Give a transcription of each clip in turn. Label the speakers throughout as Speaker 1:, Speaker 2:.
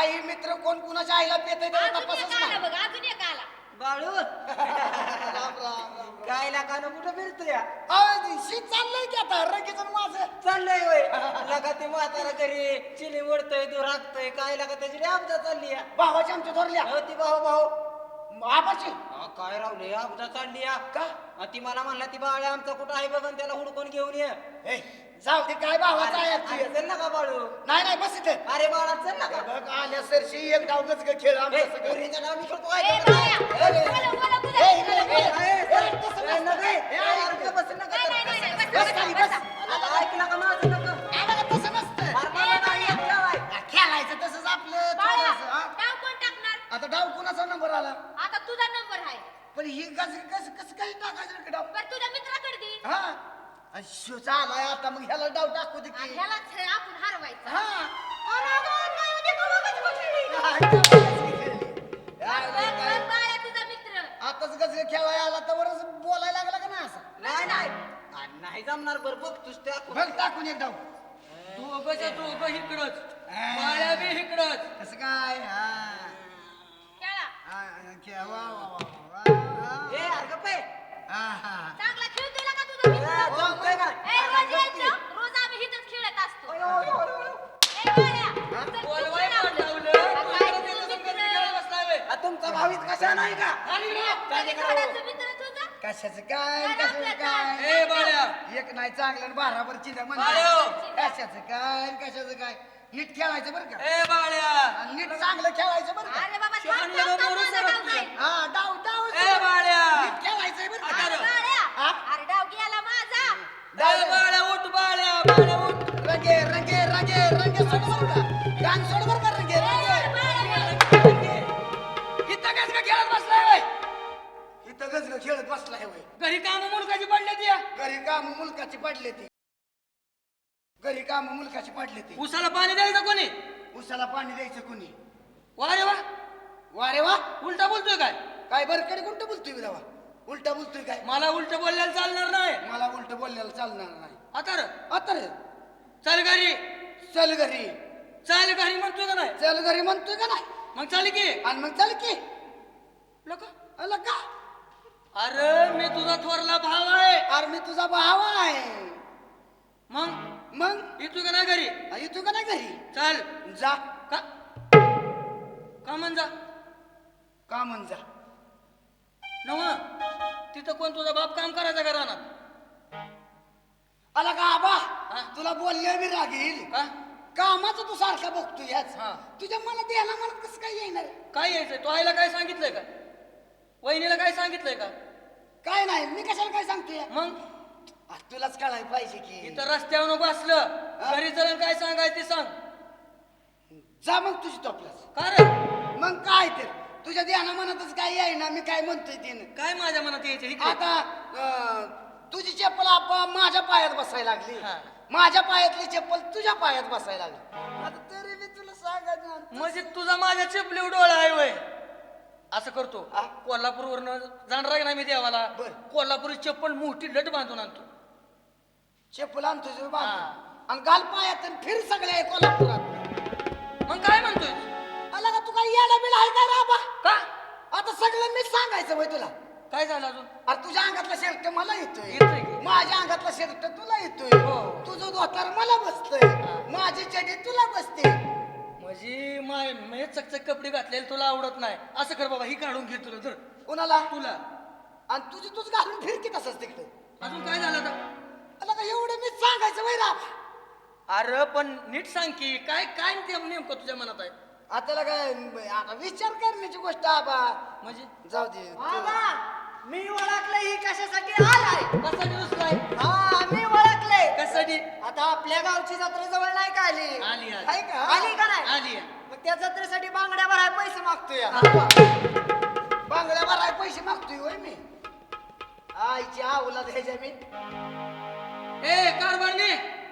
Speaker 1: काही मित्र कोण कुणाच्या आईला पेतय त्याला
Speaker 2: अजून एक
Speaker 1: तपासच
Speaker 2: आला
Speaker 1: नाही.
Speaker 2: बघ, अजून एक आला.
Speaker 3: बाळू
Speaker 1: राम राम.
Speaker 3: काय लागानं कुठं फिरतोय या?
Speaker 1: शी चाललंय की आता रगीचं माझं.
Speaker 3: चाललंय होय लगा ते म्हातारा घरी चिली ओढतोय तू राखतोय काय लागा त्याची आपदा चालली या
Speaker 1: भावाची आमच्या थोरल्या
Speaker 3: हो ती भाऊ भाऊ
Speaker 1: आबाची
Speaker 3: काय रावले आपदा चालली या
Speaker 1: का
Speaker 3: ती मला म्हणला ती बाळ आमचा कुठं आहे बघ आणि त्याला हुडकून घेऊन ये
Speaker 1: ए, जाऊ दे काय भावाचा आहे
Speaker 3: अरे,
Speaker 1: तू.
Speaker 3: चल ना का बाळू
Speaker 1: नाही नाही बस इथे
Speaker 3: अरे बाळा चल ना का
Speaker 1: बघ आल्या सरशी एक डावच खेळ आमचं सगळं.
Speaker 3: पोरीचं नाव मी खेळतो
Speaker 2: ए,
Speaker 3: काय
Speaker 2: बाया,
Speaker 3: करतो?
Speaker 2: बोला, बोला, बोला.
Speaker 1: ए, इकडे, इकडे.
Speaker 3: बस
Speaker 2: नाही, नाही, नाही, बस,
Speaker 1: बस खाली, बस.
Speaker 3: ऐकला का माझं नका
Speaker 1: आम्हाला तसं नसतं.
Speaker 3: अरे मला नाही येत जेवाय.
Speaker 1: खेळायचं तसंच आपलं
Speaker 2: बाळा,
Speaker 1: थोडंसं, हा?
Speaker 2: डाव कोण टाकणार?
Speaker 1: आता डाव कुणाचा नंबर आला
Speaker 2: आता तुझा नंबर आहे.
Speaker 1: पण ही कसं काही टाकायचं रे डाव
Speaker 2: बरं तुझ्या मित्राकडे दे.
Speaker 1: हा आणि शोचा आलाय आता मग ह्याला डाव टाकू दे
Speaker 2: आणि
Speaker 1: की
Speaker 2: ह्यालाच आपण हरवायचं.
Speaker 1: हा
Speaker 2: अरे गं, काय होते का बघत बसली? बघ, बाळा, तुझा मित्र.
Speaker 1: आताच गजरे खेळायला आला तर वरच बोलायला लागला का ना असं
Speaker 3: नाही नाही अरे नाही जमणार बरं बघ तुझ त्या
Speaker 1: बघ टाकून एक डाव
Speaker 4: दोघंच्या दोघं इकडंच बाळ्या बी इकडंच
Speaker 1: कसं काय हा
Speaker 2: खेळा.
Speaker 1: वा वा वा वा
Speaker 3: ए अरे गप्प आहे.
Speaker 1: हा हा
Speaker 2: चांगला खेळतोय का तुझा मित्र?
Speaker 3: जमतंय का?
Speaker 2: ए, रोज यायचं. रोज आम्ही इथंच खेळत असतो.
Speaker 3: अयो, अयो, अयो.
Speaker 2: ए, बाळा, चल, तू
Speaker 4: बोलवाय
Speaker 2: खेळ
Speaker 4: पण
Speaker 2: आपलं.
Speaker 4: लावलं
Speaker 2: आता
Speaker 4: तुझ्या
Speaker 2: तुझं
Speaker 4: त्याचं
Speaker 2: मित्र.
Speaker 4: संगत खेळत बसलाय बे.
Speaker 3: तुमचा भावीत कशा नाही का
Speaker 2: कधी थोडासा मित्र तुझा?
Speaker 1: कशाचं काय
Speaker 2: काय
Speaker 1: कशाचं
Speaker 2: आपलं
Speaker 1: काय
Speaker 4: ए बाळ्या
Speaker 1: एक नाही चांगलं आणि बाराभर चिंता
Speaker 4: बाळ्यो.
Speaker 1: कशाचं काय कशाचं काय नीट खेळायचं बरं का
Speaker 4: ए बाळ्या
Speaker 1: आणि नीट चांगलं खेळायचं बरं का
Speaker 2: अरे बाबा, थांब,
Speaker 4: शहाणलं
Speaker 2: थांब,
Speaker 4: का
Speaker 2: थांब,
Speaker 4: मोरू
Speaker 2: माझा
Speaker 4: सरक
Speaker 2: डाव
Speaker 4: तुझं?
Speaker 2: जाईल.
Speaker 1: हा डाव डाव
Speaker 4: ए बाळ्या
Speaker 1: नीट खेळायचंय बरं का
Speaker 4: आता
Speaker 2: बाळ्या,
Speaker 1: हा?
Speaker 2: अरे डाव गेला माझा.
Speaker 4: ए बाळ्या उठ बाळ्या उठ
Speaker 1: रंगे रंगे रंगे रंगे सोड बरं का गाण सोड बरं का रंगे रंगे
Speaker 2: बाळ्या,
Speaker 4: इथं काय का खेळत बसलाय बे?
Speaker 1: इथं गजग खेळत बसलाय वय
Speaker 4: घरी काम मुलगाची पडले ती
Speaker 1: घरी काम मुलकाची पडले ती घरी काम मुलकाची पडले ती
Speaker 4: उसाला पाणी द्यायचं कोणी
Speaker 1: उसाला पाणी द्यायचं कुणी
Speaker 4: वा रे वा
Speaker 1: वा रे वा
Speaker 4: उलटा बोलतोय काय
Speaker 1: काय बरकडे उलट बोलतोय विधावा उलटा बोलतोय काय
Speaker 4: मला उलट बोलल्याला चालणार नाही
Speaker 1: मला उलट बोललेलं चालणार नाही
Speaker 4: आता रे,
Speaker 1: आता रे
Speaker 4: चल घरी
Speaker 1: चल घरी
Speaker 4: चल घरी म्हणतोय का नाही
Speaker 1: चल घरी म्हणतोय का नाही
Speaker 4: मग चाल की
Speaker 1: आणि मग चल की
Speaker 4: लोक
Speaker 1: आला का
Speaker 4: अरे मी तुझा थोरला भाव आहे
Speaker 1: अरे मी तुझा भाव आहे
Speaker 4: मग
Speaker 1: मग
Speaker 4: येतोय का नाही घरी
Speaker 1: येतो का नाही घरी
Speaker 4: चल
Speaker 1: जा
Speaker 4: का का म्हण जा
Speaker 1: का म्हण जा
Speaker 4: नव तिथं कोण तुझा बाप काम करायचा का रानात
Speaker 1: आला का आबा
Speaker 4: हा?
Speaker 1: तुला बोलले मी रागील
Speaker 4: का
Speaker 1: कामाचं तू सारखा बघतोय याच
Speaker 4: हा.
Speaker 1: तुझ्या मला द्यायला मला कसं काय येणार
Speaker 4: काय यायचंय तो आईला काय सांगितलंय का वहिनीला काय सांगितलंय का
Speaker 1: काय नाही मी कशाला काय सांगतोय
Speaker 4: मग
Speaker 1: तुलाच कळायला पाहिजे की
Speaker 4: इथं रस्त्यावर बसलं घरी चलन काय सांगायचं ते सांग
Speaker 1: जा मग तुझी टोपलाच
Speaker 4: का रे
Speaker 1: मग काय तर तुझ्या ध्याना मनातच काय येईना मी काय म्हणतोय ते
Speaker 4: काय माझ्या मनात यायचं इकडे?
Speaker 1: आता तुझी चप्पल आप्पा माझ्या पायात बसायला लागली
Speaker 4: हा.
Speaker 1: माझ्या पायातली चप्पल तुझ्या पायात बसायला लागली आता तरी मी तुला सांगायचं
Speaker 4: म्हणजे तुझा माझ्या चिपली डोळा आहे वय असं करतो
Speaker 1: हा?
Speaker 4: कोल्हापूरवरनं जाणार नाही मी देवाला
Speaker 1: बर.
Speaker 4: कोल्हापुरी चप्पल मोठी लट बांधून आणतो
Speaker 1: चप्पल आणतो तुझं बांधून.
Speaker 4: हा.
Speaker 1: आणि घाल पायात आणि फिर सगळ्या कोल्हापुरात
Speaker 4: मग काय म्हणतोय
Speaker 1: आला का तू काय येडा बिडा आहे काय राबा
Speaker 4: का
Speaker 1: आता सगळं मी सांगायचं वय तुला
Speaker 4: काय झालं अजून
Speaker 1: अरे तुझ्या अंगातला शर्ट मला येतोय
Speaker 4: येतोय की?
Speaker 1: माझ्या अंगातला शर्ट तुला येतोय
Speaker 4: हो.
Speaker 1: तुझं धोतर मला बसतोय माझी चडी तुला बसते
Speaker 4: म्हणजे मी चकचक कपडे घातलेले तुला आवडत नाही असं कर बाबा ही काढून घे तुला तर
Speaker 1: कुणाला
Speaker 4: तुला
Speaker 1: आणि तुझी तूच घालून फिरकी तसंच तिकडे
Speaker 4: अजून काय झालं आता
Speaker 1: आला का एवढं मी सांगायचं वय राबा
Speaker 4: अरे पण नीट सांग की काय काय नेमकं तुझ्या मनात आहे
Speaker 1: आता काय आता विचार करण्याची गोष्ट आबा
Speaker 4: म्हणजे
Speaker 1: जाऊ दे
Speaker 3: मी ओळखलं ही कशासाठी आलाय
Speaker 4: कशासाठी दुसराय
Speaker 3: हा मी ओळखले
Speaker 4: कशासाठी
Speaker 3: आता आपल्या गावची जत्रा जवळ नाही का आली
Speaker 4: आली आली
Speaker 1: आहे का
Speaker 3: आली का नाही
Speaker 4: आली आहे.
Speaker 3: मग त्या जत्रेसाठी बांगड्या भराय पैसे मागतोय
Speaker 1: बांगड्या भराय पैसे मागतोय होय मी आईची आऊला द्यायच्या मी
Speaker 4: ए कारभारने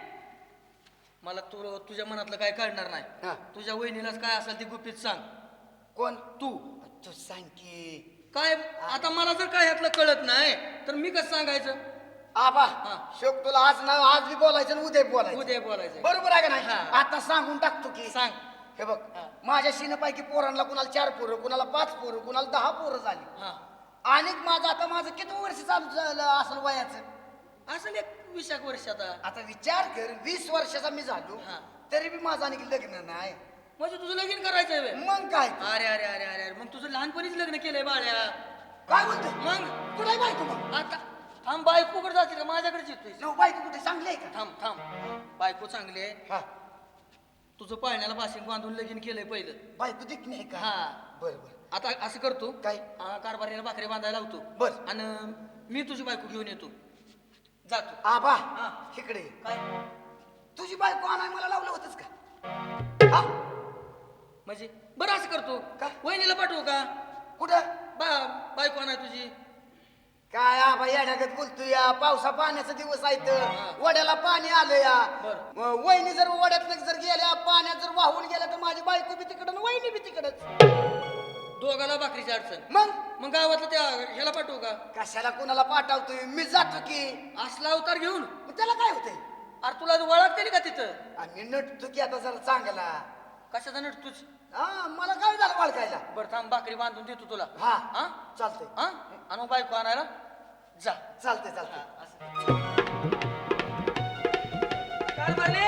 Speaker 4: मला तुझ्या मनातलं काय कळणार
Speaker 1: हा.
Speaker 4: नाही तुझ्या वहिनीलाच काय असेल ती गुपित सांग
Speaker 1: कोण
Speaker 4: तू
Speaker 1: तू सांग की
Speaker 4: काय आता मला जर काय ह्यातलं कळत नाही तर मी कसं सांगायचं
Speaker 1: आबा
Speaker 4: हा.
Speaker 1: शोक तुला आज ना आज बी बोलायचं आणि उद्या बी बोलायचं
Speaker 4: उद्या बोलायचं
Speaker 1: बरोबर आहे का नाही
Speaker 4: हा.
Speaker 1: आता सांगून टाकतो की
Speaker 4: सांग
Speaker 1: हे बघ
Speaker 4: हा.
Speaker 1: माझ्या शिनपैकी पोरांना कुणाला 4 पोरं, कुणाला 5 पोरं, कुणाला 10 पोरं झाली.
Speaker 4: हा
Speaker 1: आणि माझं किती वर्ष चालू झालं असेल वयाचं?
Speaker 4: असेल एक 20 वर्ष आता.
Speaker 1: आता विचार कर, 20 वर्षाचा मी झालो
Speaker 4: हा.
Speaker 1: तरी बी माझं आणखी लग्न नाही.
Speaker 4: म्हणजे तुझं लगीन करायचंय व्हय?
Speaker 1: मग काय ते?
Speaker 4: अरे अरे अरे अरे अरे, मग तुझं लहानपणीच लग्न केलंय बाळ्या.
Speaker 1: काय बोलतोय?
Speaker 4: मग
Speaker 1: तुला बायको मग?
Speaker 4: आता थांब, बायकोकडे जाते का माझ्याकडेच येतोय?
Speaker 1: नऊ बायको कुठे चांगली आहे का?
Speaker 4: थांब थांब, बायको चांगली आहे.
Speaker 1: हा.
Speaker 4: तुझं पाळण्याला बाशिंग बांधून लगीन केलंय पहिलं.
Speaker 1: बायको देखणी आहे का?
Speaker 4: हा.
Speaker 1: बर बर.
Speaker 4: आता असं करतो
Speaker 1: काय?
Speaker 4: कारभारीला भाकरी बांधायला लावतो.
Speaker 1: बर.
Speaker 4: आणि मी तुझी बायको घेऊन येतो, जातो.
Speaker 1: आबा
Speaker 4: हा.
Speaker 1: इकडे ये.
Speaker 4: काय
Speaker 1: तुझी बायको आणाय मला लावलं होतंच का? हा?
Speaker 4: म्हणजे बरं असं करतो
Speaker 1: काय?
Speaker 4: वहिनीला पाठवू का?
Speaker 1: कुठं?
Speaker 4: बायको आणाय तुझी.
Speaker 1: काय आबा येण्यागत बोलतो या? पावसा पाण्याचा दिवस आहे तर
Speaker 4: हा.
Speaker 1: वड्याला पाणी आलं या.
Speaker 4: बर.
Speaker 1: वहिनी जर वड्यात जर गेल्या, पाण्यात जर वाहून गेल्या तर माझी बायको बी तिकडं वहिनी बी तिकडच.
Speaker 4: दोघाला भाकरीची अडचण.
Speaker 1: मग
Speaker 4: मग गावातलं त्या ह्याला पाठवू का?
Speaker 1: कशाला कुणाला पाठवतोय? मी जातो की.
Speaker 4: असला अवतार घेऊन.
Speaker 1: मग त्याला काय होतंय?
Speaker 4: अरे तुला ओळखते का तिथं?
Speaker 1: आणि नटतो की आता जरा चांगला.
Speaker 4: कशाचा नटतोच?
Speaker 1: हा, मला काय झालं ओळखायला?
Speaker 4: बरं थांब, भाकरी बांधून देतो तुला.
Speaker 1: हा.
Speaker 4: हा
Speaker 1: चालतंय.
Speaker 4: हा, आणि मग बायको आणायला जा.
Speaker 1: चालतंय चालतंय.
Speaker 4: कारभारले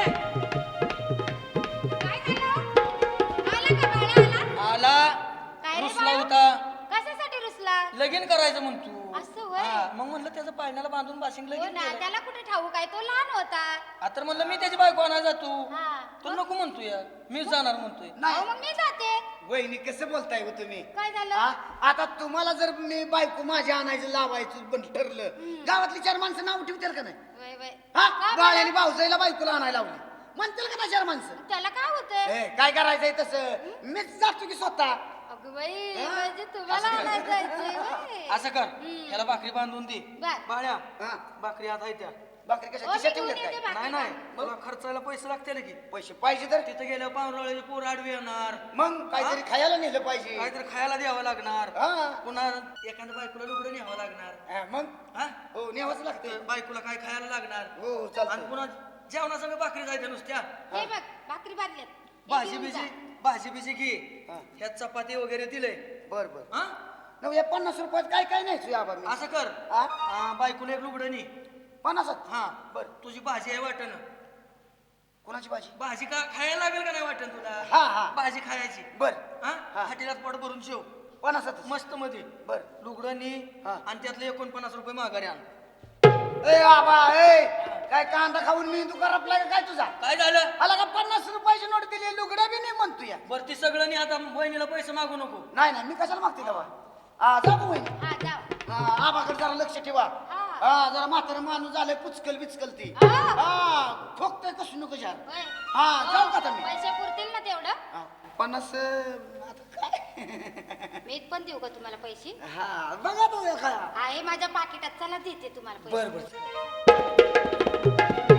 Speaker 2: काय झालं? आला का बाळा?
Speaker 4: आला.
Speaker 2: काय रे
Speaker 4: रुसला
Speaker 2: बाळा?
Speaker 4: होता.
Speaker 2: कशासाठी रुसला?
Speaker 4: लगीन करायचं म्हणतो.
Speaker 2: असं होय?
Speaker 4: हा, मग म्हणलं त्याचं पाळण्याला बांधून बाशिंग
Speaker 2: हो
Speaker 4: लगीन
Speaker 2: ना,
Speaker 4: केलं.
Speaker 2: त्याला कुठे ठाऊ काय, तो लहान होता.
Speaker 4: आता म्हणलं मी त्याची बायको आणायला जातो.
Speaker 2: हा.
Speaker 4: तू नको म्हणतोय, मीच जाणार म्हणतोय.
Speaker 2: अहो,
Speaker 1: नाही
Speaker 2: मग मी जाते.
Speaker 1: वहिनी कसं बोलताय हो तुम्ही?
Speaker 2: काय झालं?
Speaker 1: हा? आता तुम्हाला जर मी बायको माझ्या आणायचं लावायचं पण ठरलं, गावातली 4 माणसं नाव ठेवतील का नाही?
Speaker 2: वय वय.
Speaker 1: हा,
Speaker 2: का
Speaker 1: बाळ्याने
Speaker 2: बरं?
Speaker 1: भाऊजाईला बायकोला आणायला लावली म्हणतील का नाही 4 माणसं?
Speaker 2: त्याला काय होतंय?
Speaker 1: ए, काय करायचंय तसं? मीच जातो की स्वतः.
Speaker 2: अगं बाई,
Speaker 1: हा?
Speaker 2: म्हणजे तुम्हाला आणायला जायचंय व्हय?
Speaker 4: असं कर, ह्याला भाकरी बांधून दे.
Speaker 2: बर.
Speaker 4: बाळ्या,
Speaker 1: हा.
Speaker 4: भाकरी आता त्या.
Speaker 1: भाकरी कशा
Speaker 2: हो, मी
Speaker 1: खिशात
Speaker 2: घेऊन
Speaker 1: ठेवल्यात
Speaker 2: येते
Speaker 1: काय?
Speaker 2: भाकरी
Speaker 4: नाही नाही,
Speaker 2: बांधून.
Speaker 4: तुला खर्चायला पैसे लागतील की.
Speaker 1: पैसे पाहिजे तर
Speaker 4: तिथं गेल्यावर पाहुणरावळ्याचे पोर आडवी येणार,
Speaker 1: मग काहीतरी खायला नेलं पाहिजे.
Speaker 4: काहीतरी खायला द्यावं लागणार,
Speaker 1: हा.
Speaker 4: पुन्हा एखाद्या बायकोला लुगडं न्यावं लागणार.
Speaker 1: हा, मग
Speaker 4: हा,
Speaker 1: हो न्यावंच लागते.
Speaker 4: बायकोला काय खायला लागणार.
Speaker 1: हो
Speaker 4: आणि
Speaker 1: चालतं.
Speaker 4: पुन्हा जेवणासंग भाकरी जायच्या नुसत्या.
Speaker 2: हे बघ, भाकरी बांधल्यात. हे
Speaker 4: भाजी
Speaker 2: घेऊन
Speaker 4: बिजी,
Speaker 2: जा.
Speaker 4: भाजी बिजी घे.
Speaker 1: हा.
Speaker 4: ह्यात चपाती वगैरे दिलंय.
Speaker 1: बर बर.
Speaker 4: हा,
Speaker 1: नव या 50 रुपयात काय काय नाही आबा मी.
Speaker 4: असं कर,
Speaker 1: हा?
Speaker 4: बायकोला एक लुगडं नी.
Speaker 1: 50.
Speaker 4: हा,
Speaker 1: बर.
Speaker 4: तुझी भाजी आहे वाटण.
Speaker 1: कोणाची भाजी?
Speaker 4: भाजी का खायला लागेल का नाही वाटण तुला?
Speaker 1: हा हा
Speaker 4: भाजी खायची.
Speaker 1: बर.
Speaker 4: हा,
Speaker 1: हा.
Speaker 4: हाटीलात पोट भरून शेव
Speaker 1: 50.
Speaker 4: मस्त मध्ये
Speaker 1: बर.
Speaker 4: लुगडं नी.
Speaker 1: हा.
Speaker 4: आणि त्यातले 49 रुपये माघारी आण.
Speaker 1: ए आबा ए, काय कांदा खाऊन मी तू करपलाय का काय तुझा?
Speaker 4: काय झालं?
Speaker 1: आला का 50 रुपयाची नोट दिली, लुगडा बी नाही म्हणतो या.
Speaker 4: बरं ती सगळं नी, आता बहिणीला पैसे मागू नको.
Speaker 1: नाही नाही, मी कशाला मागते तेव्हा? हा जाऊ वहिनी.
Speaker 2: हा, जाऊ.
Speaker 1: आबाकडे जरा लक्ष ठेवा.
Speaker 2: हा.
Speaker 1: हा, जरा म्हातारा माणूस झालंय, पुचकल बिचकल ती.
Speaker 2: हा.
Speaker 1: हा, ठोकतोय कसं नको जार.
Speaker 2: होय.
Speaker 1: हा, जाऊ का आता मी?
Speaker 2: पैसे पुरतील ना तेवढं?
Speaker 1: हा, 50 आता काय?
Speaker 2: मी पण देऊ का तुम्हाला पैसे?
Speaker 1: हा, बघा तू काय.
Speaker 2: आहे माझ्या पाकिटात, चला देते तुम्हाला पैसे.
Speaker 1: बर बर.